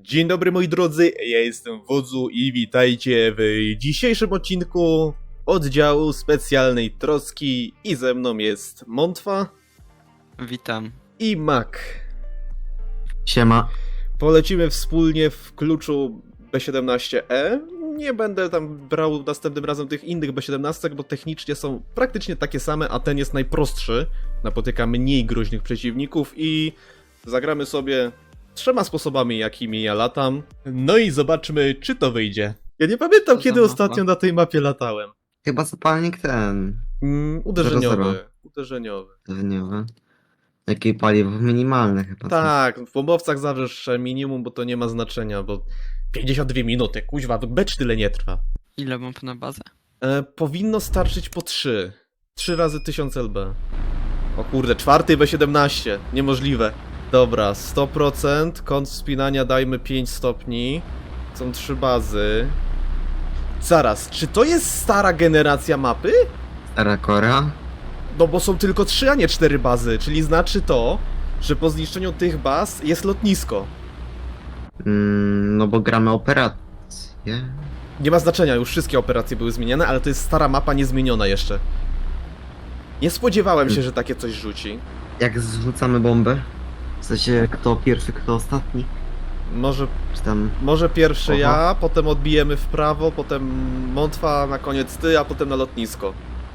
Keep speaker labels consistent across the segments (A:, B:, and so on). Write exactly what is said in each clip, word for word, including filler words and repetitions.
A: Dzień dobry moi drodzy, ja jestem Wodzu i witajcie w dzisiejszym odcinku oddziału specjalnej troski i ze mną jest Montwa
B: Witam.
A: i Mak.
C: Siema.
A: Polecimy wspólnie w kluczu B siedemnaście E. Nie będę tam brał następnym razem tych innych B siedemnaście, bo technicznie są praktycznie takie same, a ten jest najprostszy. Napotyka mniej groźnych przeciwników i zagramy sobie trzema sposobami, jakimi ja latam. No i zobaczmy, czy to wyjdzie. Ja nie pamiętam,
B: Co
A: kiedy
B: za mapa?
A: ostatnio na tej mapie latałem.
C: Chyba zapalnik ten.
A: Mm, uderzeniowy.
C: Zero, zero.
A: Uderzeniowy.
C: Dniowy. Jakie paliwo? Minimalne chyba.
A: Tak, w bombowcach zawsze minimum, bo to nie ma znaczenia, bo pięćdziesiąt dwie minuty, kuźwa, becz tyle nie trwa.
B: Ile bomb na bazę?
A: E, powinno starczyć po trzy. trzy razy tysiąc L B. O kurde, czwarty B siedemnaście. Niemożliwe. Dobra, sto procent. Kąt wspinania dajmy pięć stopni. Są trzy bazy. Zaraz, czy to jest stara generacja mapy?
C: Stara Korea.
A: No bo są tylko trzy, a nie cztery bazy, czyli znaczy to, że po zniszczeniu tych baz jest lotnisko.
C: Mm, no bo gramy operację.
A: Nie ma znaczenia, już wszystkie operacje były zmieniane, ale to jest stara mapa niezmieniona jeszcze. Nie spodziewałem się, że takie coś rzuci.
C: Jak zrzucamy bombę? W sensie kto pierwszy, kto ostatni?
A: Może,
C: Czy tam...
A: może pierwszy
C: Oho.
A: ja, potem odbijemy w prawo, potem Montwa, na koniec ty, a potem na lotnisko.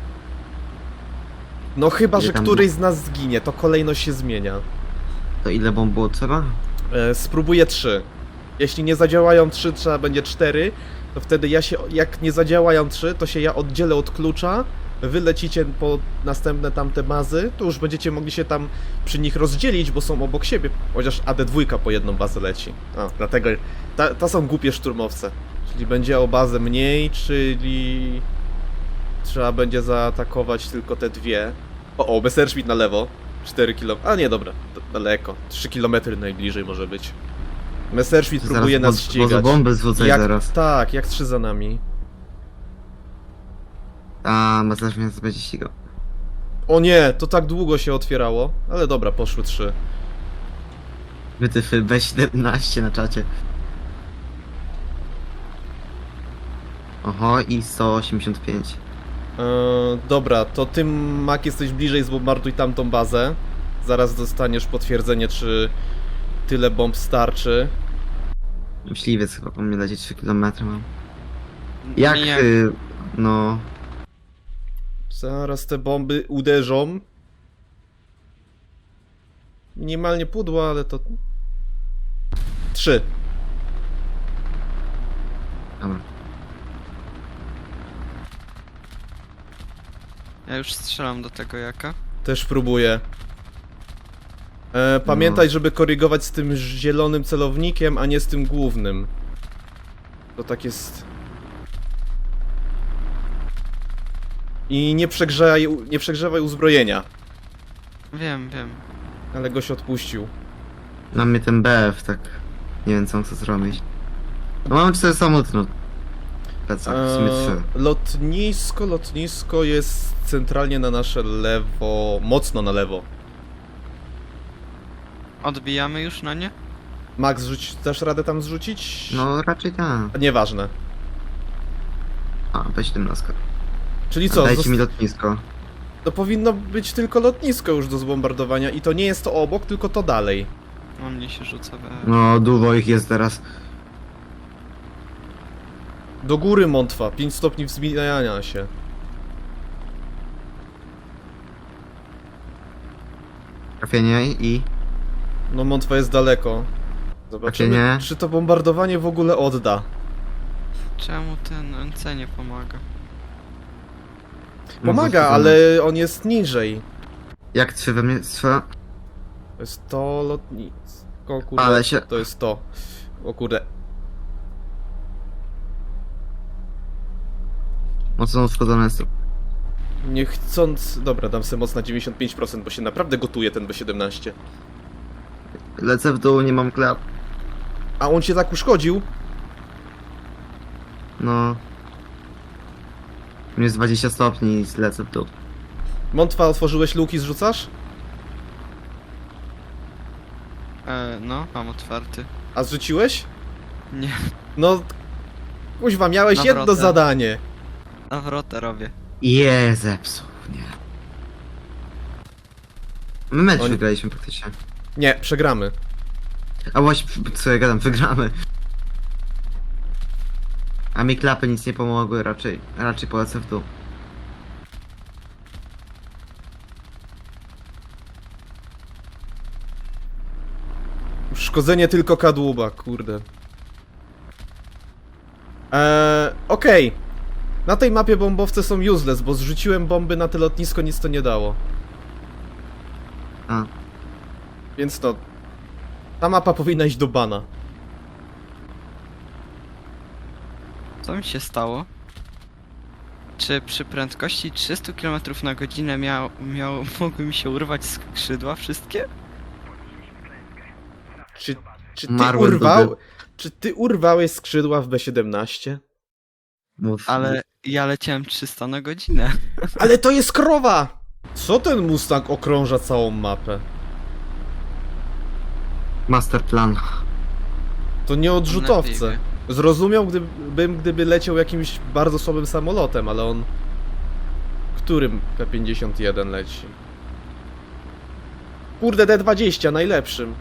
A: No chyba,
C: Ile
A: że
C: tam
A: któryś z nas zginie, to kolejność się zmienia.
C: To ile bomb było trzeba?
A: E, spróbuję trzy. Jeśli nie zadziałają trzy, trzeba będzie cztery, to wtedy ja się, jak nie zadziałają trzy, to się ja oddzielę od klucza, wy lecicie po następne tamte bazy, to już będziecie mogli się tam przy nich rozdzielić, bo są obok siebie, chociaż A D dwa po jedną bazę leci. A, dlatego, ta, to są głupie szturmowce. Czyli będzie o bazę mniej, czyli trzeba będzie zaatakować tylko te dwie. O, o, Messerschmitt na lewo, cztery kilometry, a nie, dobra, d- daleko, trzy kilometry najbliżej może być. Messerschmitt próbuje nas
C: bo,
A: ścigać.
C: Bo bombę zrzucaj
A: Jak,
C: zaraz.
A: tak, jak trzy za nami.
C: A, masaż mnie będzie ścigał.
A: O nie, to tak długo się otwierało, ale dobra, poszły trzy.
C: Wytyfy B siedemnaście na czacie. Oho, i sto osiemdziesiąt pięć.
A: Eee, dobra, to ty, Mak, jesteś bliżej, zbombarduj tamtą bazę. Zaraz dostaniesz potwierdzenie, czy tyle bomb starczy.
C: Myśliwiec chyba po mnie leci trzy kilometry mam. Jak,
B: Nie,
C: y, no...
A: Zaraz te bomby uderzą. Minimalnie pudło, ale to... Trzy.
C: Dobra.
B: ja już strzelam do tego jaka.
A: Też próbuję. E, pamiętaj, żeby korygować z tym zielonym celownikiem, a nie z tym głównym. To tak jest... I nie przegrzewaj, nie przegrzewaj uzbrojenia.
B: Wiem, wiem.
A: Ale goś odpuścił.
C: Na mnie ten B F tak... Nie wiem co on chce zrobić. No mam cztery samochody, no. Plecak, w sumie trzy.
A: Eee, lotnisko, lotnisko jest centralnie na nasze lewo, mocno na lewo.
B: Odbijamy już na nie?
A: Max, rzuć, dasz radę tam zrzucić?
C: No raczej tak.
A: Nieważne.
C: A, B siedemnaście.
A: Czyli
C: Co,
A: co,
C: Dajcie
A: zost-
C: mi lotnisko.
A: to powinno być tylko lotnisko już do zbombardowania i to nie jest to obok, tylko to dalej.
B: No mnie się rzuca we...
C: No dużo ich jest teraz.
A: Do góry Montwa, pięć stopni wzbijania się.
C: Trafienie i...
A: No Montwa jest daleko. Zobaczymy,
C: nie?
A: czy to bombardowanie w ogóle odda.
B: Czemu ten N C nie pomaga?
A: Pomaga,
C: No,
A: ale on jest niżej.
C: Jak trzy we mnie strzela?
A: To jest to lotnisko, kurde,
C: Ale się-
A: to jest to. O kurde.
C: Mocno uszkodzone jest.
A: Nie chcąc... Dobra, dam sobie moc na dziewięćdziesiąt pięć procent, bo się naprawdę gotuje ten B siedemnaście.
C: Lecę w dół, nie mam klap.
A: A on cię tak uszkodził?
C: No. Jest dwadzieścia stopni i lecę w dół.
A: Montwa, otworzyłeś luki, zrzucasz?
B: E, no, mam otwarty.
A: A zrzuciłeś?
B: Nie,
A: No, kuźwa, miałeś
B: Na
A: jedno
B: wrotę.
A: zadanie.
B: nawrotę robię.
C: Je, zepsuł, nie. My mecz
A: Oni-
C: wygraliśmy praktycznie.
A: Nie, przegramy.
C: A właśnie, co ja gadam, wygramy. A mi klapy nic nie pomogły, raczej, raczej polecę w dół.
A: Szkodzenie tylko kadłuba, kurde. Eee, okej. Na tej mapie bombowce są useless, bo zrzuciłem bomby na te lotnisko, nic to nie dało.
C: A,
A: Więc to... Ta mapa powinna iść do bana.
B: Co mi się stało? Czy przy prędkości trzysta kilometrów na godzinę miał, miał, mogły mi się urwać skrzydła wszystkie?
A: Czy, czy ty
C: Marłem do
A: urwał...
C: gry.
A: Czy ty urwałeś skrzydła w B siedemnaście?
C: mów.
B: Ale ja leciałem trzysta na godzinę.
A: Ale to jest krowa! Co ten Mustang okrąża całą mapę?
C: Master plan.
A: To nie odrzutowce.
B: Lepiej
A: Zrozumiał gdybym, gdyby leciał jakimś bardzo słabym samolotem, ale on... Którym P pięćdziesiąt jeden leci? Kurde, D dwadzieścia, najlepszym.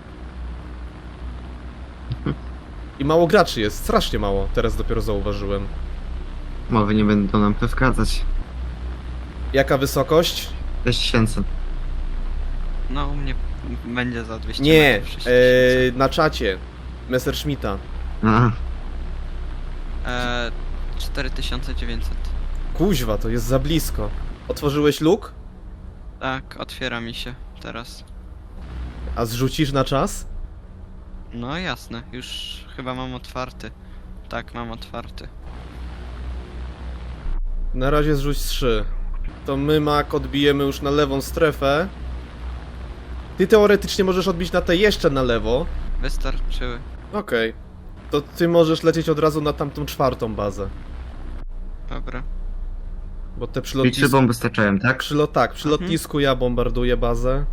A: I mało graczy jest, strasznie mało, teraz dopiero zauważyłem.
C: Mowy nie będą nam przeszkadzać.
A: Jaka wysokość?
C: sześć tysięcy.
B: No u mnie będzie za dwieście
A: Nie,
B: metrów, sześć tysięcy.
A: e, na czacie. Messerschmitta.
C: A,
B: Eee, cztery tysiące dziewięćset.
A: Kuźwa, to jest za blisko. Otworzyłeś luk?
B: Tak, otwiera mi się teraz.
A: A zrzucisz na czas?
B: No jasne, już chyba mam otwarty. Tak, mam otwarty.
A: Na razie zrzuć trzy. To my, Mak, odbijemy już na lewą strefę. Ty teoretycznie możesz odbić na te jeszcze na lewo.
B: Wystarczyły.
A: Okej. To ty możesz lecieć od razu na tamtą czwartą bazę.
B: Dobra.
A: Bo te przy
C: i trzy
A: lotnisku...
C: bomby starczałem, tak?
A: Przy, lo... Tak, przy
B: Mhm.
A: lotnisku ja bombarduję bazę.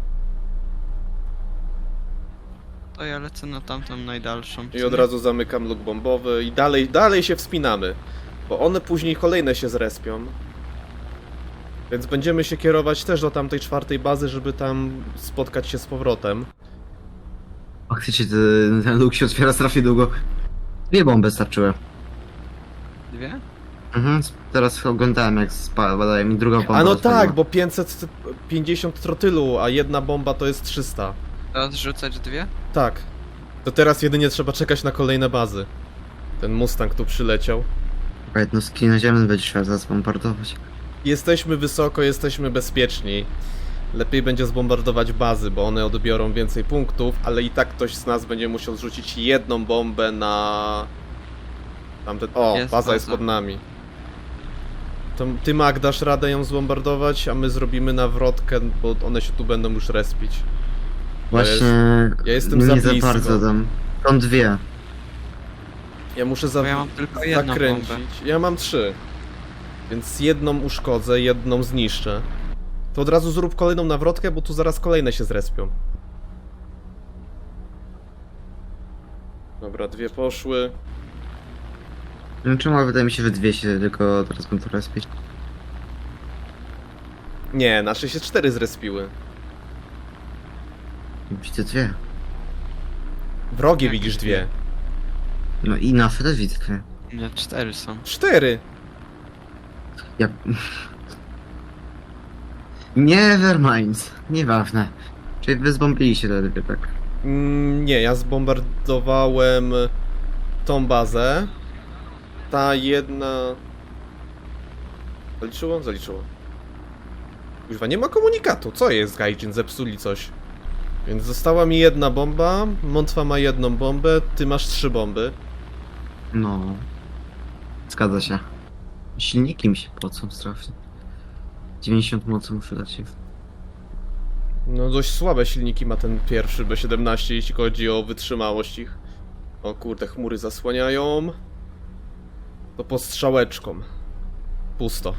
B: To ja lecę na tamtą najdalszą.
A: I od razu zamykam luk bombowy i dalej, dalej się wspinamy. Bo one później kolejne się zrespią. Więc będziemy się kierować też do tamtej czwartej bazy, żeby tam spotkać się z powrotem.
C: Faktycznie ten, ten luk się otwiera strasznie długo. Dwie bomby starczyły.
B: Dwie?
C: Mhm, teraz oglądałem jak spada mi druga bomba.
A: A no
C: rozwaliła.
A: tak, bo pięćset pięćdziesiąt trotylu, a jedna bomba to jest trzysta.
B: Teraz rzucać dwie?
A: Tak. To teraz jedynie trzeba czekać na kolejne bazy. Ten Mustang tu przyleciał.
C: Chyba jednostki naziemne będzie trzeba zaraz bombardować.
A: Jesteśmy wysoko, jesteśmy bezpieczni. Lepiej będzie zbombardować bazy, bo one odbiorą więcej punktów, ale i tak ktoś z nas będzie musiał zrzucić jedną bombę na... Tamten... O,
B: Jest
A: baza
B: baza.
A: jest pod nami. To ty, Mag, dasz radę ją zbombardować, a my zrobimy nawrotkę, bo one się tu będą już respić.
C: Właśnie...
A: ja jestem
C: nie
A: za
C: za
A: blisko.
C: bardzo dam. Są dwie.
A: Ja muszę za...
B: Bo ja mam tylko jedną
A: zakręcić.
B: bombę.
A: Ja mam trzy. Więc jedną uszkodzę, jedną zniszczę. To od razu zrób kolejną nawrotkę, bo tu zaraz kolejne się zrespią. Dobra, dwie poszły.
C: No czemu wydaje mi się, że dwie się tylko teraz będą respić.
A: Nie, nasze się cztery zrespiły.
C: Widzę dwie.
A: Wrogie
B: Jakie
A: widzisz
B: dwie?
A: dwie.
C: No i nasze też widzę dwie.
B: Nie, cztery są.
A: Cztery!
C: Ja... Nevermind. Nieważne. Czyli wy zbombiliście te dwie, tak?
A: Mm, nie, ja zbombardowałem tą bazę. Ta jedna... Zaliczyło? Zaliczyło. Kuźwa, nie ma komunikatu. Co jest, Gaijin? Zepsuli coś. Więc została mi jedna bomba, Montwa ma jedną bombę, ty masz trzy bomby.
C: No. Zgadza się. Silniki mi się pocą strasznie. dziewięćdziesiąt mocy muszę dać się.
A: No dość słabe silniki ma ten pierwszy B siedemnaście, jeśli chodzi o wytrzymałość ich. O kurde, chmury zasłaniają. To postrzałeczką. Pusto.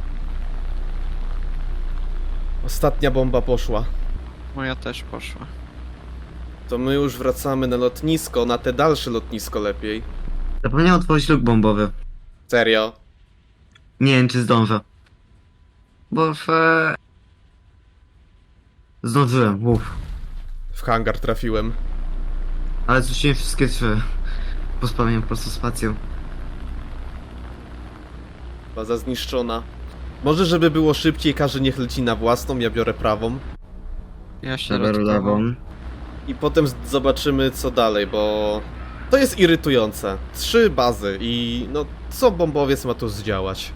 A: Ostatnia bomba poszła.
B: Moja też poszła.
A: To my już wracamy na lotnisko, na te dalsze lotnisko lepiej.
C: Zapomniałem otworzyć luk bombowy.
A: Serio?
C: Nie wiem, czy zdążę. Bo w... e, Zdążyłem, uff.
A: W hangar trafiłem.
C: Ale zrzuciłem wszystkie trzy. Pospamiłem po prostu spacją.
A: Baza zniszczona. Może żeby było szybciej, każdy niech leci na własną, ja biorę prawą.
B: Ja się
C: Lever lewą.
A: I potem z- zobaczymy co dalej, bo... To jest irytujące. Trzy bazy i no co bombowiec ma tu zdziałać?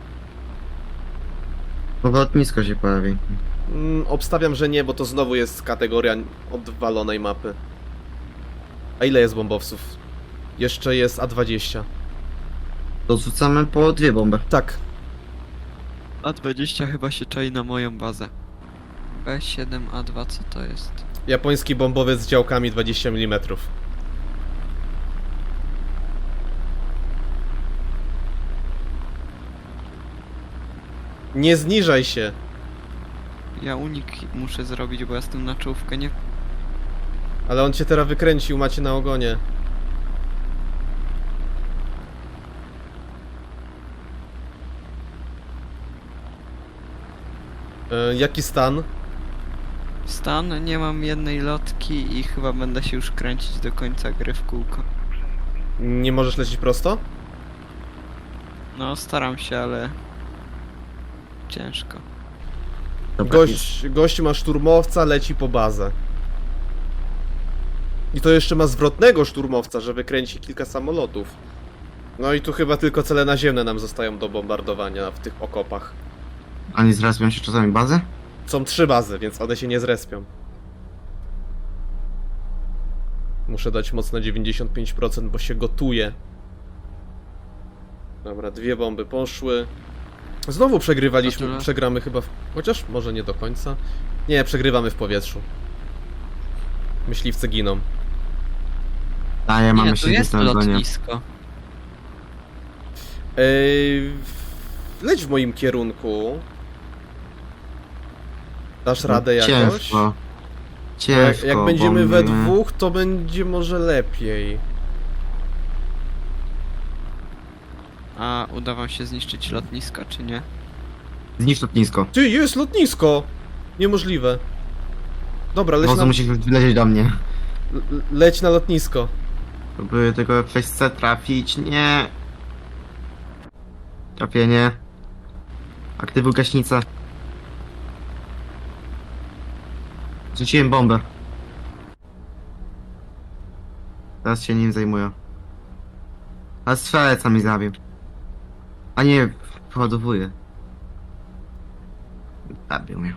C: Bo lotnisko się pojawi.
A: Mm, obstawiam, że nie, bo to znowu jest kategoria odwalonej mapy. A ile jest bombowców? Jeszcze jest A dwadzieścia.
C: To rzucamy po dwie bomby.
A: Tak,
B: A dwadzieścia chyba się czai na moją bazę. B siedem A dwa, co to jest?
A: japoński bombowiec z działkami dwadzieścia milimetrów. Nie zniżaj się.
B: Ja unik muszę zrobić, bo ja z tym na czołówkę nie...
A: Ale on cię teraz wykręcił, macie na ogonie. E, jaki stan?
B: Stan, nie mam jednej lotki i chyba będę się już kręcić do końca gry w kółko.
A: Nie możesz lecieć prosto?
B: No, staram się, ale... Ciężko.
C: Dobra,
A: Gość, gość ma szturmowca, leci po bazę. I to jeszcze ma zwrotnego szturmowca, że wykręci kilka samolotów. No i tu chyba tylko cele naziemne nam zostają do bombardowania w tych okopach.
C: A nie zrespią się czasami bazy?
A: Są trzy bazy, więc one się nie zrespią. Muszę dać mocne dziewięćdziesiąt pięć procent, bo się gotuje. Dobra, dwie bomby poszły. Znowu przegrywaliśmy,
B: To tyle?
A: przegramy chyba w... Chociaż może nie do końca. Nie, przegrywamy w powietrzu. Myśliwcy giną.
C: Daję, mamy
B: Nie, tu
C: siedzieć
B: jest
C: na ogonie.
B: lotnisko.
A: Ej, leć w moim kierunku. Dasz radę jakoś?
C: Ciężko.
A: Bo
C: Ciężko,
A: Jak, jak będziemy we
C: bomby.
A: dwóch, to będzie może lepiej.
B: A uda wam się zniszczyć lotnisko, czy nie?
C: Zniszcz lotnisko.
A: Ty, jest lotnisko! Niemożliwe. Dobra, leć
C: Wozu
A: na,
C: musisz wlecieć do mnie.
A: l- leć na lotnisko.
C: Próbuję tego przez C trafić. Nie. Trafienie. Aktywuj gaśnicę. Rzuciłem bombę. Teraz się nim zajmuję. A strzelec mi zabił. A nie, poładowuję. Zabił mnie.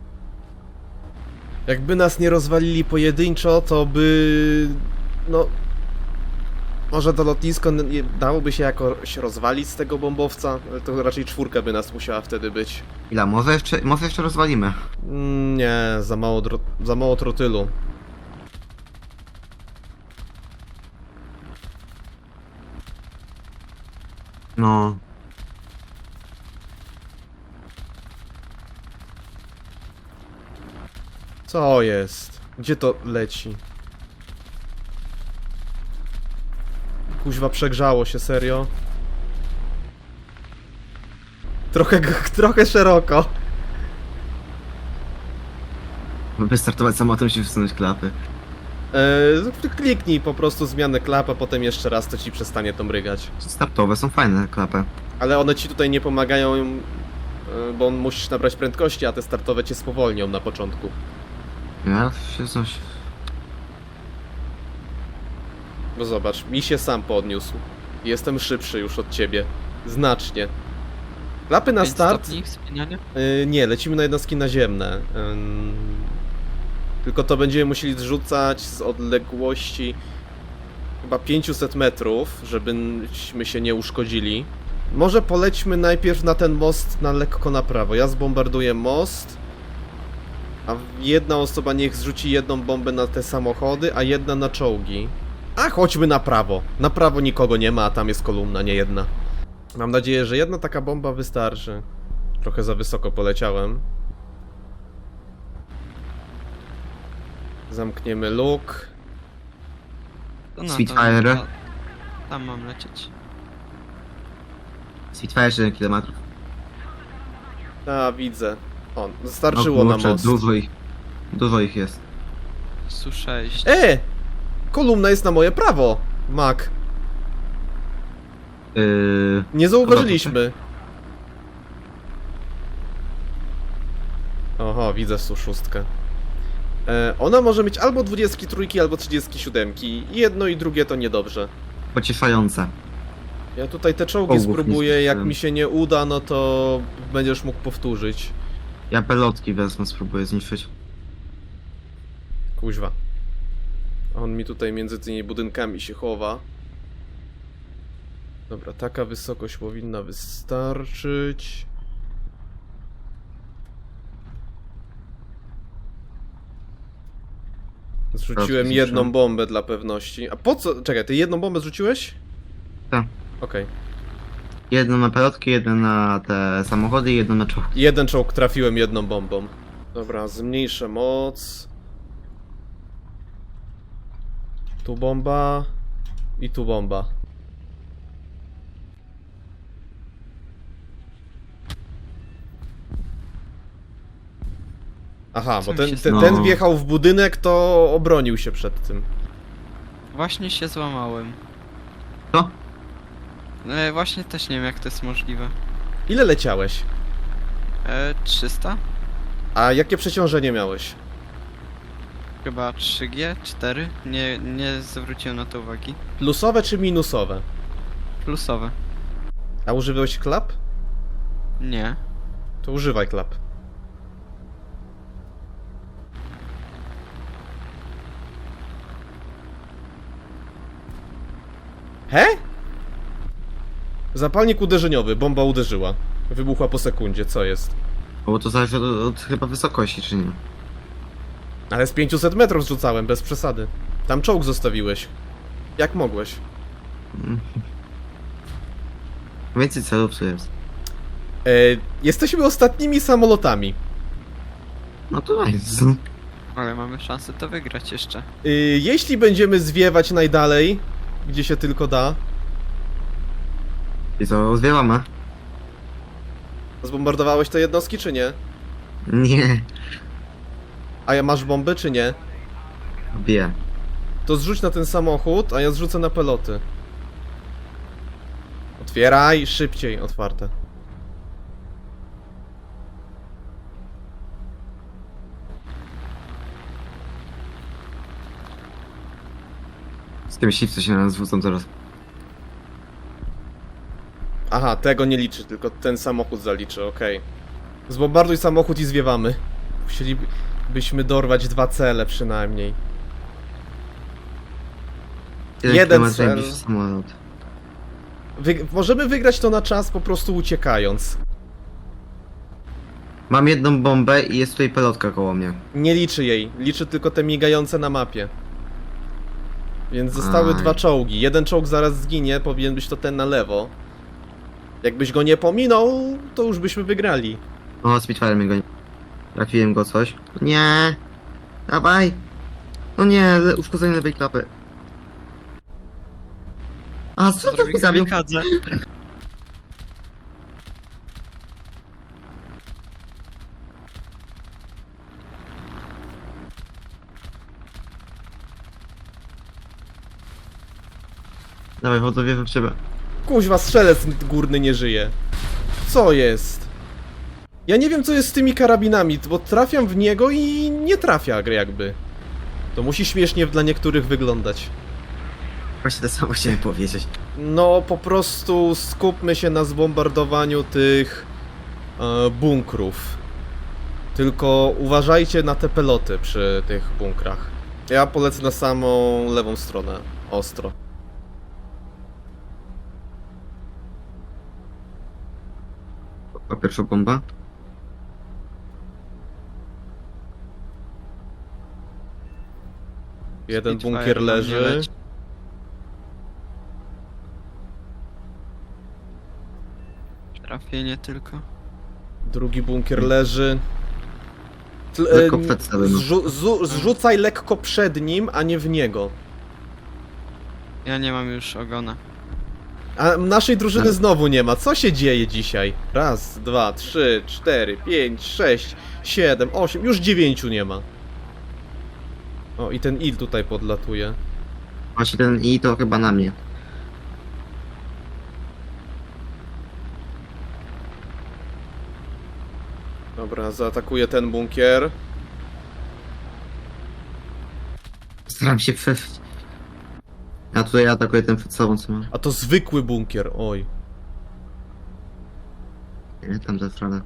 A: Jakby nas nie rozwalili pojedynczo, to by... No... Może to lotnisko n- nie- dałoby się jakoś rozwalić z tego bombowca, ale to raczej czwórka by nas musiała wtedy być.
C: Ile? Może jeszcze, może jeszcze rozwalimy.
A: Mm, nie, za mało, dro- za mało trotylu.
C: No.
A: Co jest? Gdzie to leci? Kuźwa, przegrzało się, serio? Trochę, g- trochę szeroko.
C: Wystartować samolotem się wsunąć klapy.
A: Eee, kliknij po prostu zmianę klap, a potem jeszcze raz to ci przestanie to mrygać.
C: Startowe są fajne klapy.
A: Ale one ci tutaj nie pomagają, e, bo musisz nabrać prędkości, a te startowe cię spowolnią na początku.
C: Ja się coś...
A: Bo zobacz, mi się sam podniósł. Jestem szybszy już od ciebie. Znacznie. Klapy na
B: Pięć
A: start...
B: stopni wspinania?
A: Yy, nie, lecimy na jednostki naziemne. Ym, tylko to będziemy musieli zrzucać z odległości chyba pięćset metrów, żebyśmy się nie uszkodzili. Może polećmy najpierw na ten most na lekko na prawo. Ja zbombarduję most, a jedna osoba niech zrzuci jedną bombę na te samochody, a jedna na czołgi. A chodźmy na prawo. Na prawo nikogo nie ma, a tam jest kolumna, nie jedna. Mam nadzieję, że jedna taka bomba wystarczy. Trochę za wysoko poleciałem. Zamkniemy luk.
B: To na to-
C: Spitfire.
B: to- Tam mam lecieć.
C: Spitfire siedem kilometrów.
A: A, widzę. O, starczyło na most.
C: Dużo ich. Dużo ich jest.
B: S U sześć.
A: E! Kolumna jest na moje prawo, Mac.
C: Yy...
A: Nie zauważyliśmy. Oho, widzę S U sześć. E, ona może mieć albo dwudziestki trójki, albo trzydziestki siódemki. Jedno i drugie to niedobrze.
C: Pocieszające.
A: Ja tutaj te czołgi
C: Czołgów nie
A: spróbuję, jak
C: zniszczyłem.
A: mi się nie uda, no to będziesz mógł powtórzyć.
C: Ja pelotki wezmę, spróbuję zniszczyć.
A: Kuźwa. On mi tutaj między tymi budynkami się chowa. Dobra, taka wysokość powinna wystarczyć. Zrzuciłem
C: zniszczyłem.
A: jedną bombę dla pewności. A po co? Czekaj, ty jedną bombę zrzuciłeś?
C: Tak.
A: Okej.
C: Jedno na pelotki, jedno na te samochody i jedno na czołg.
A: Jeden czołg trafiłem jedną bombą. Dobra, zmniejszę moc. Tu bomba. I tu bomba. Aha,
B: Co
A: bo
B: mi
A: ten,
B: się
A: ten,
C: stało?
A: ten wjechał w budynek, to obronił się przed tym.
B: Właśnie się złamałem.
C: Co?
B: E, właśnie też nie wiem jak to jest możliwe.
A: Ile leciałeś?
B: E, trzysta?
A: A jakie przeciążenie miałeś?
B: Chyba trzy G? cztery? Nie, nie zwróciłem na to uwagi.
A: Plusowe czy minusowe?
B: Plusowe.
A: A używałeś klap?
B: Nie.
A: To używaj klap. He? Zapalnik uderzeniowy, bomba uderzyła. Wybuchła po sekundzie, co jest?
C: Bo to zależy od, od chyba wysokości, czy nie?
A: Ale z pięćset metrów zrzucałem, bez przesady. Tam czołg zostawiłeś. Jak mogłeś?
C: Mm. Więcej celów tu jest.
A: E, jesteśmy ostatnimi samolotami.
C: No to jest.
B: Ale mamy szansę to wygrać jeszcze.
A: E, jeśli będziemy zwiewać najdalej, gdzie się tylko da,
C: I co, zwiewamy?
A: zbombardowałeś te jednostki, czy nie?
C: Nie.
A: A ja masz bomby, czy nie?
C: Bije.
A: To zrzuć na ten samochód, a ja zrzucę na peloty. Otwieraj, szybciej, otwarte.
C: Z tym siwcy się na nas zwrócą teraz.
A: Aha, tego nie liczy, tylko ten samochód zaliczy, okej. Zbombarduj samochód i zwiewamy. Musielibyśmy dorwać dwa cele przynajmniej. Jeden
C: kilometrów
A: cel.
C: najbliższy samolot.
A: Wy możemy wygrać to na czas, po prostu uciekając.
C: Mam jedną bombę i jest tutaj pelotka koło mnie.
A: Nie liczy jej, liczy tylko te migające na mapie. Więc zostały
C: Aj.
A: dwa czołgi. Jeden czołg zaraz zginie, powinien być to ten na lewo. Jakbyś go nie pominął, to już byśmy wygrali.
C: O, Spitfire mnie goni. Trafiłem go coś. Nie! Dawaj! No nie, le uszkodzenie lewej klapy. A co to mi zabił?
B: Kamikadze.
C: Dawaj, chodzę, wierzę w ciebie.
A: Kuźwa, strzelec górny nie żyje. Co jest? Ja nie wiem, co jest z tymi karabinami, bo trafiam w niego i nie trafia jakby. To musi śmiesznie dla niektórych wyglądać.
C: Właśnie to samo chciałem powiedzieć.
A: No, po prostu skupmy się na zbombardowaniu tych e, bunkrów. Tylko uważajcie na te peloty przy tych bunkrach. Ja polecę na samą lewą stronę. Ostro.
C: A pierwsza bomba?
A: Jeden
B: Spitfire
A: bunkier
B: na mnie
A: leży.
B: leci. Trafienie tylko.
A: Drugi bunkier leży. Tl-
C: Lekko
A: em,
C: przed celem.
A: zrzu- zu- zrzucaj lekko przed nim, a nie w niego.
B: Ja nie mam już ogona.
A: A naszej drużyny
C: Ale-
A: znowu nie ma. Co się dzieje dzisiaj? Raz, dwa, trzy, cztery, pięć, sześć, siedem, osiem. Już dziewięciu nie ma. O, i ten il tutaj podlatuje.
C: Właśnie ten i to chyba na mnie.
A: Dobra, zaatakuje ten bunkier.
C: Staram się przejść. A tutaj atakuję ten przed sobą, co mam.
A: A to zwykły bunkier, oj.
C: Nie, tam za stronę.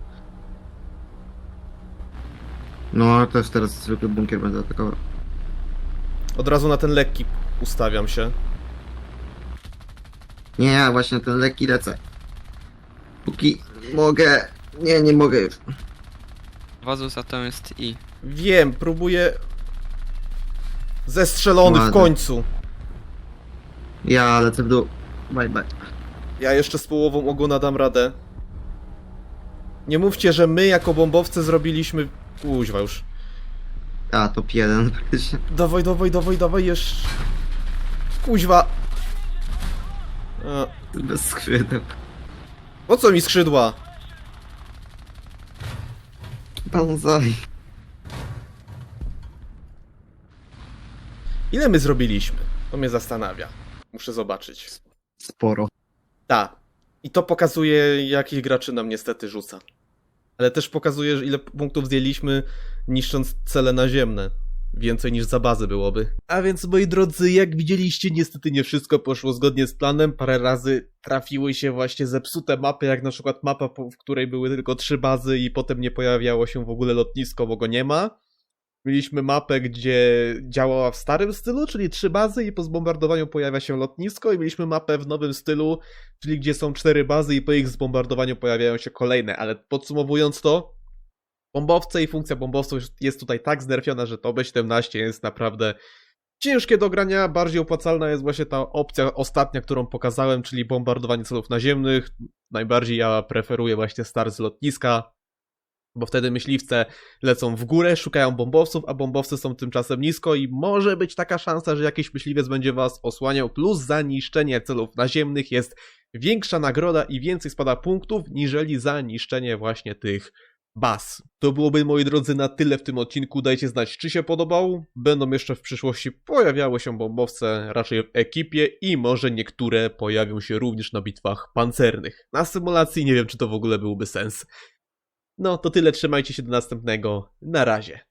C: No, też teraz zwykły bunkier będę atakował.
A: Od razu na ten lekki ustawiam się.
C: Nie, ja właśnie na ten lekki lecę. Póki mogę... Nie, nie mogę już.
B: Wazu za to jest i.
A: Wiem, próbuję... Zestrzelony w
C: Ładnie.
A: końcu.
C: Ja lecę w dół. Bye, bye.
A: Ja jeszcze z połową ogona dam radę. Nie mówcie, że my jako bombowcy zrobiliśmy... Kuźwa już.
C: A, top jeden praktycznie.
A: Dawaj, dawaj, dawaj, dawaj, jeszcze... Kuźwa. A,
C: Bez skrzydeł.
A: po co mi skrzydła?
C: Banzai.
A: Ile my zrobiliśmy? To mnie zastanawia. Muszę zobaczyć.
C: Sporo.
A: Tak. I to pokazuje, jakich graczy nam niestety rzuca. Ale też pokazuje, że ile punktów zdjęliśmy, niszcząc cele naziemne. Więcej niż za bazy byłoby. A więc, moi drodzy, jak widzieliście, niestety nie wszystko poszło zgodnie z planem. Parę razy trafiły się właśnie zepsute mapy, jak na przykład mapa, w której były tylko trzy bazy i potem nie pojawiało się w ogóle lotnisko, bo go nie ma. Mieliśmy mapę, gdzie działała w starym stylu, czyli trzy bazy i po zbombardowaniu pojawia się lotnisko, i mieliśmy mapę w nowym stylu, czyli gdzie są cztery bazy i po ich zbombardowaniu pojawiają się kolejne. Ale podsumowując to, bombowce i funkcja bombowców jest tutaj tak znerfiona, że to B siedemnaście jest naprawdę ciężkie do grania. Bardziej opłacalna jest właśnie ta opcja ostatnia, którą pokazałem, czyli bombardowanie celów naziemnych. Najbardziej ja preferuję właśnie start z lotniska, bo wtedy myśliwce lecą w górę, szukają bombowców, a bombowcy są tymczasem nisko i może być taka szansa, że jakiś myśliwiec będzie was osłaniał, plus za niszczenie celów naziemnych jest większa nagroda i więcej spada punktów, niżeli za niszczenie właśnie tych baz. To byłoby, moi drodzy, na tyle w tym odcinku. Dajcie znać, czy się podobał. Będą jeszcze w przyszłości pojawiały się bombowce raczej w ekipie i może niektóre pojawią się również na bitwach pancernych. Na symulacji nie wiem, czy to w ogóle byłby sens. No to tyle, trzymajcie się do następnego. Na razie.